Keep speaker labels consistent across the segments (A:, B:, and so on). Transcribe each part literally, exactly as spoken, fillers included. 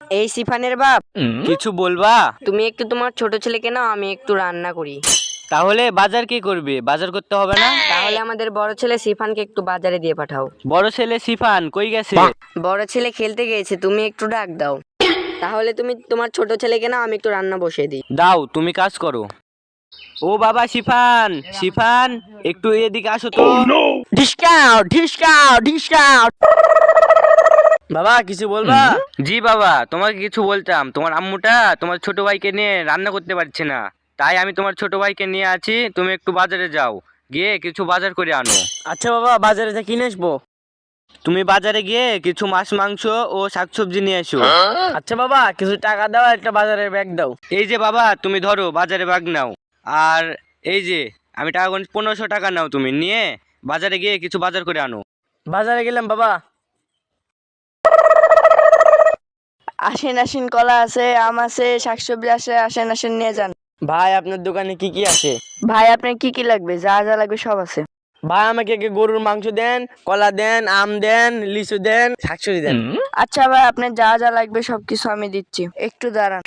A: এই সিফানের বাপ,
B: কিছু বলবা?
A: তুমি একটু তোমার ছোট ছেলেকে নাও, আমি একটু রান্না করি।
B: তাহলে বাজার কি করবে? বাজার করতে হবে না?
A: তাহলে আমাদের বড় ছেলে সিফানকে একটু বাজারে দিয়ে পাঠাও।
B: বড় ছেলে সিফান কই গেছে?
A: বড় ছেলে খেলতে গিয়েছে, তুমি একটু ডাক দাও। তাহলে তুমি তোমার ছোট ছেলেকে নাও, আমি একটু রান্না বসিয়ে দিই।
B: দাও, তুমি কাজ করো। ও বাবা সিফান, সিফান একটু এদিকে আসো তো।
A: Discount discount discount. বাবা কিছু বলবা?
B: জি বাবা, তোমাকে কিছু বলতাম। তোমার আম্মুটা তোমার ছোট ভাইকে নিয়ে রান্না করতে পারছে না, তাই আমি তোমার ছোট ভাইকে নিয়ে আছি। তুমি একটু বাজারে যাও, গিয়ে কিছু বাজার করে আনো।
A: আচ্ছা বাবা, বাজারে যা কিনে আসবো।
B: তুমি বাজারে গিয়ে কিছু মাছ মাংস ও শাকসবজি নিয়ে এসো।
A: আচ্ছা বাবা, কিছু টাকা দাও, একটা বাজারের ব্যাগ দাও।
B: এই যে বাবা, তুমি ধরো বাজারে ব্যাগ নাও। আর এই যে আমি টাকা গুনছি, পনেরোশো টাকা নাও, তুমি নিয়ে বাজারে গিয়ে কিছু বাজার করে আনো।
A: বাজারে গেলাম বাবা। আসেন আসেন, কলা আছে, আম আছে, শাকসবজি আছে, আসেন আসেন নিয়ে যান।
C: ভাই আপনার দোকানে কি কি আছে?
A: ভাই আপনার কি কি লাগবে? যা যা লাগবে সব আছে।
C: ভাই আমাকে কি গরুর মাংস দেন, কলা দেন, আম দেন, লিচু দেন, শাকসবজি দেন।
A: আচ্ছা ভাই, আপনার যা যা লাগবে সবকিছু আমি দিচ্ছি, একটু দাঁড়ান।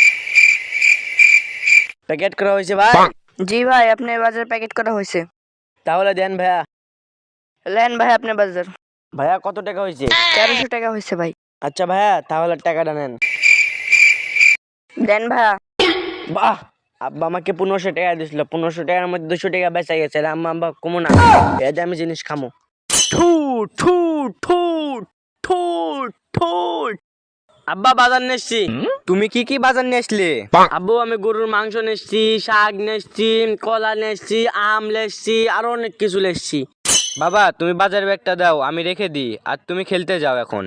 C: প্যাকেট করা হয়েছে ভাই?
A: জি ভাই, আপনার বাজার প্যাকেট করা হয়েছে।
C: তাহলে দেন ভাইয়া।
A: লেন ভাই আপনার বাজার।
C: ভাইয়া কত টাকা হয়েছে?
A: তেরোশো টাকা হয়েছে ভাই।
C: আচ্ছা ভাইয়া, তাহলে টাকাটা নেন।
A: দেন ভাইয়া।
C: বাহ, আব্বা আমাকে পনেরোশো টাকা দিয়েছিল, পনেরোশো টাকার মধ্যে দুশো টাকা বেঁচে গেছে। আর আম্মা আব্বা কমো না, এই যে আমি জিনিস খামো। ঠুট ঠুট ঠুট ঠুট ঠুট। আব্বা বাজার নেছি।
B: তুমি কি কি বাজার নিয়ে আসলে?
C: আব্বু আমি গরুর মাংস নেছি, শাক নেছি, কলা নেছি, আম নেছি, আরো অনেক কিছু নেছি।
B: বাবা তুমি বাজার ব্যাগটা দাও, আমি রেখে দিই, আর তুমি খেলতে যাও এখন।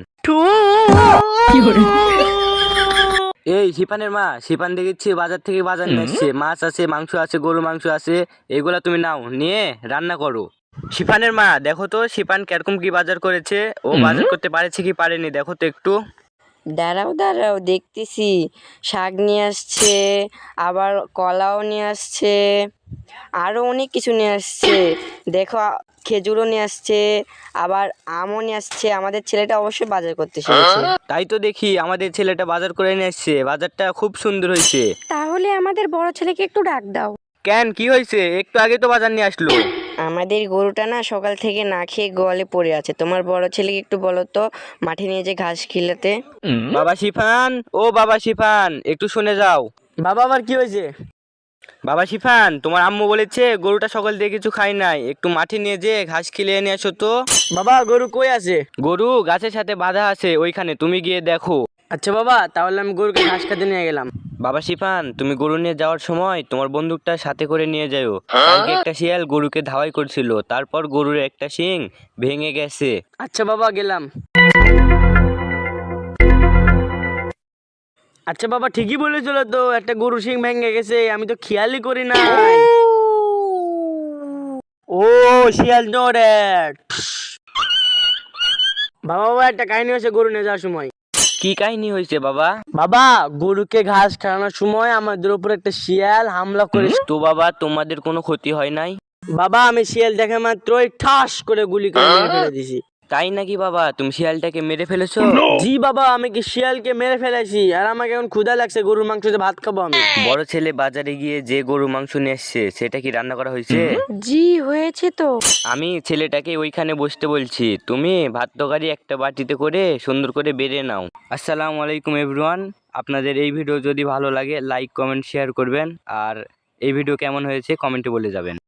B: এই শিপানের মা, শিপান দেখেছি বাজার থেকে বাজার নিয়ে এসছে। মাছ আছে, মাংস আছে, গরু মাংস আছে, এগুলা তুমি নাও, নিয়ে রান্না করো। শিপানের মা দেখো তো, শিপান কিরকম কি বাজার করেছে। ও বাজার করতে পারেছে কি পারেনি, দেখো তো একটু।
A: দাঁড়াও দাঁড়াও, দেখতেছি। শাক নিয়ে আসছে, আবার কলাও নিয়ে আসছে, আরো অনেক কিছু নিয়ে আসছে। দেখো, খেজুরও নিয়ে আসছে, আবার আমও নিয়ে আসছে। আমাদের ছেলেটা অবশ্যই বাজার করতে শিখেছে।
B: তাই তো দেখি আমাদের ছেলেটা বাজার করে নিয়ে এসছে, বাজারটা খুব সুন্দর হয়েছে।
A: তাহলে আমাদের বড় ছেলেকে একটু ডাক দাও।
B: কেন, কি হয়েছে? একটু আগে তো বাজার নিয়ে আসলো।
A: আমাদের গরুটা না সকাল থেকে না খেয়ে গোয়ালে পড়ে আছে। তোমার বড় ছেলেকে একটু বলো তো, মাঠে নিয়ে যে ঘাস খিলাতে।
B: বাবা শিফান, ও বাবা শিফান, একটু শুনে যাও।
C: বাবা আবার কি হয়েছে?
B: বাবা শিফান, তোমার আম্মু বলেছে গরুটা সকাল দিয়ে কিছু খাই নাই, একটু মাঠে নিয়ে যে ঘাস খেলে এনে আসো তো।
C: বাবা গরু কই আছে?
B: গরু গাছের সাথে বাঁধা আছে ওইখানে, তুমি গিয়ে দেখো।
C: আচ্ছা বাবা, তাহলে আমি গরুকে ঘাস খেতে নিয়ে গেলাম।
B: বাবা শিফান, তুমি গরু নিয়ে যাওয়ার সময় তোমার বন্দুকটা সাথে করে নিয়ে যাও। কালকে একটা শিয়াল গরুকে ধাওয়াই করছিল, তারপর গরুর একটা শিং ভেঙে গেছে।
C: আচ্ছা বাবা, গেলাম। আচ্ছা বাবা, ঠিকই বলেছিল তো, একটা গরু শিং ভেঙে গেছে, আমি তো খেয়ালই করি না। ও শিয়াল নড়ে। বাবা বাবা, একটা কাহিনী হয়েছে গরু নিয়ে যাওয়ার সময়।
B: কি কাহিনী হয়েছে বাবা?
C: বাবা, গরুকে ঘাস খাওয়ানোর সময় আমাদের উপর একটা শিয়াল হামলা করে।
B: তো বাবা তোমাদের কোনো ক্ষতি হয় নাই?
C: বাবা আমি শিয়াল দেখে মাত্রই ঠাস করে গুলি করে মেরে ফেলে দিছি।
B: তাই নাকি বাবা, তুমি শিয়ালটাকে মেরে ফেলেছো?
C: জি বাবা, আমি কি শিয়ালকে মেরে ফেলেছি, আর আমাকে এখন ক্ষুধা লাগছে, গরুর মাংস দিয়ে ভাত খাবো আমি।
B: বড় ছেলে বাজারে গিয়ে যে গরু মাংস নিয়ে এসছে, সেটা কি রান্না করা হয়েছে?
A: জি হয়েছে তো।
B: আমি ছেলেটাকে ওইখানে বসতে বলছি, তুমি ভাত তরকারি একটা বাটিতে করে সুন্দর করে বেড়ে নাও। আসসালামু আলাইকুম এভরিওয়ান। আপনাদের এই ভিডিও যদি ভালো লাগে লাইক কমেন্ট শেয়ার করবেন, আর এই ভিডিও কেমন হয়েছে কমেন্টে বলে যাবেন।